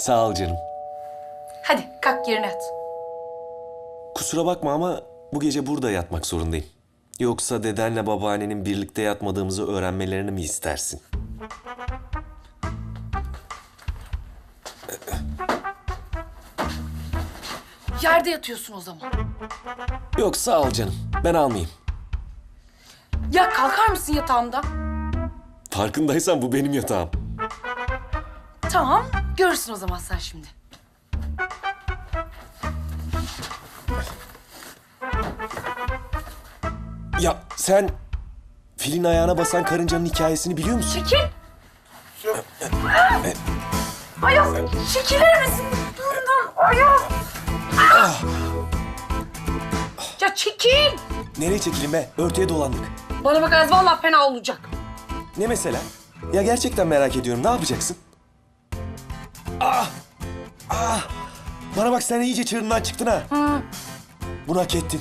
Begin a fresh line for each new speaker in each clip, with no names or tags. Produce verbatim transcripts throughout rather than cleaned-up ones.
Sağ ol canım.
Hadi kalk yerine yat.
Kusura bakma ama bu gece burada yatmak zorundayım. Yoksa dedenle babaannenin birlikte yatmadığımızı öğrenmelerini mi istersin?
Yerde yatıyorsun o zaman.
Yok sağ ol canım. Ben almayayım.
Ya kalkar mısın yatağımdan?
Farkındaysan bu benim yatağım.
Tamam, görürsün o zaman sen şimdi.
Ya sen filin ayağına basan karıncanın hikayesini biliyor musun?
Çekil! Ayaz, çekilir misin? Bundan Ayaz! Ya çekil!
Nereye çekileyim be? Örtüye dolandık.
Bana bak Ayaz, vallahi fena olacak.
Ne mesela? Ya gerçekten merak ediyorum. Ne yapacaksın? Ah! Ah! Bana bak sen iyice çığırından çıktın ha.
Hı.
Bunu hak ettin.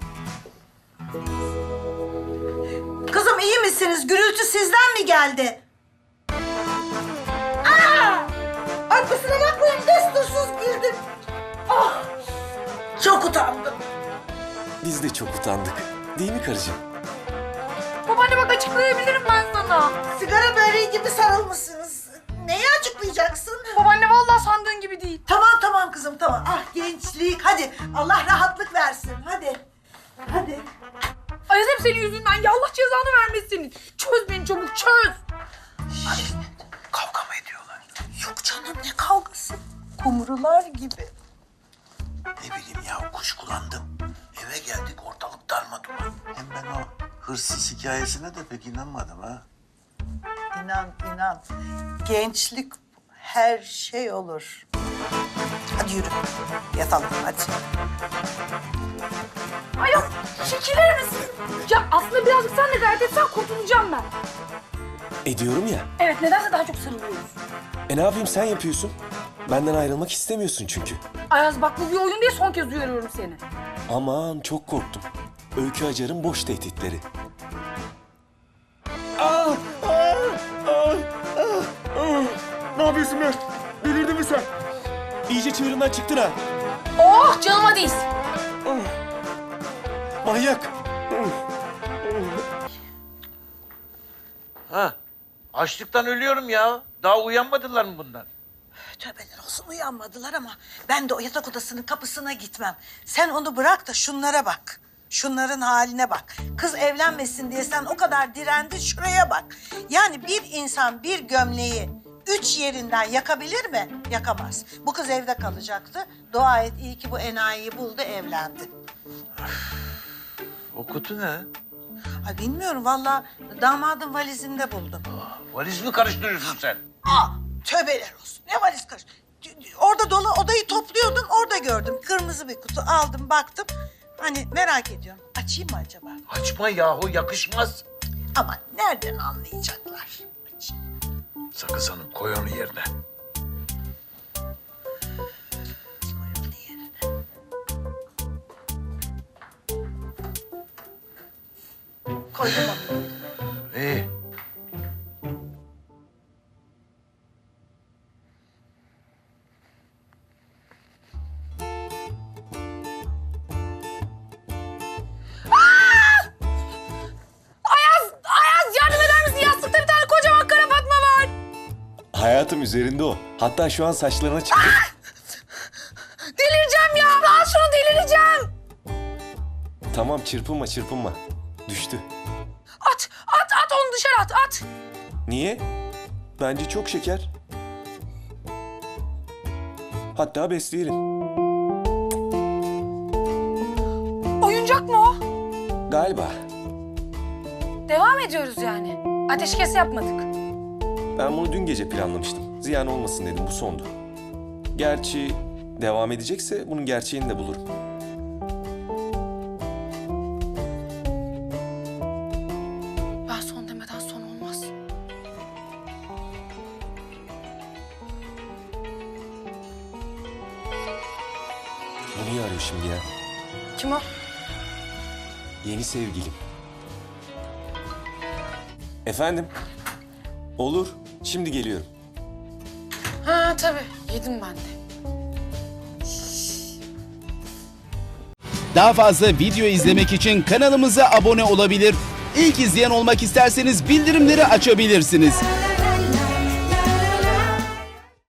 Kızım iyi misiniz? Gürültü sizden mi geldi? Aa! Ay kusura bakmayın destursuz girdim. Ah! Çok utandım.
Biz de çok utandık. Değil mi karıcığım?
Babaanne bak açıklayabilirim ben sana.
Sigara böreği gibi sarılmışsınız. Neyi açıklayacaksın?
Babaanne vallahi sandığın gibi değil.
Tamam tamam kızım tamam. Ah gençlik hadi. Allah rahatlık versin hadi. Hadi.
Ayaz hep senin yüzünden. Ya Allah cezanı vermesin. Çöz beni çabuk çöz.
Kavga mı ediyorlar? Yok canım ne kavgası? Kumrular gibi.
Ne bileyim ya kuşkulandım. Eve geldik ortalık darmadağın. Hem ben o hırsız hikayesine de pek inanmadım ha.
İnan inan. Gençlik her şey olur. Hadi yürü. Yatalım hadi.
Ayaz çekilir misin? Ya aslında birazcık sen de gayret etsen kurtulacağım ben.
Ediyorum ya.
Evet nedense daha çok sarılıyoruz.
E ne yapayım sen yapıyorsun. Benden ayrılmak istemiyorsun çünkü.
Ayaz bak bu bir oyun diye son kez uyarıyorum seni.
Aman çok korktum. Öykü Acar'ın boş tehditleri. Ah! Ah! Ah! Ah! Ah! Ne yapıyorsun be? Delirdin mi sen? İyice çığırından çıktın ha.
Oh canıma değsin.
Manyak.
Ha, açlıktan ölüyorum ya. Daha uyanmadılar mı bunlar?
Tövbeler olsun uyanmadılar ama ben de o yatak odasının kapısına gitmem. Sen onu bırak da şunlara bak. Şunların haline bak. Kız evlenmesin diye sen o kadar direndin şuraya bak. Yani bir insan bir gömleği üç yerinden yakabilir mi? Yakamaz. Bu kız evde kalacaktı. Dua et iyi ki bu enayiyi buldu evlendi.
O kutu ne?
Ay bilmiyorum vallahi damadın valizinde buldum.
Valiz mi karıştırıyorsun sen?
Aa, tövbeler olsun. Ne valiz karış? Orada dolu odayı topluyordum, orada gördüm. Kırmızı bir kutu aldım, baktım. Hani merak ediyorum. Açayım mı acaba?
Açma yahu yakışmaz.
Ama nereden anlayacaklar? Açayım.
Sakız Hanım koy onu yerine.
Koyalım yerine. Koydum onu.
İyi.
Ayaz, Ayaz yardım eder misin? Yastıkta bir tane kocaman kara Fatma var.
Hayatım üzerinde o. Hatta şu an saçlarına çıktı.
Delireceğim ya. Al şunu delireceğim.
Tamam çırpınma çırpınma. Düştü.
At, at, at onu dışarı at, at.
Niye? Bence çok şeker. Hatta besleyelim.
Oyuncak mı o?
Galiba.
Devam ediyoruz yani. Ateşkes yapmadık.
Ben bunu dün gece planlamıştım. Ziyan olmasın dedim, bu sondu. Gerçi devam edecekse bunun gerçeğini de bulurum.
Ben son demeden son olmaz.
Bu niye arıyor şimdi ya?
Kim o?
Yeni sevgilim. Efendim? Olur, şimdi geliyorum.
Ha, Ha tabii yedim ben de.
Daha fazla video izlemek için kanalımıza abone olabilir. İlk izleyen olmak isterseniz bildirimleri açabilirsiniz.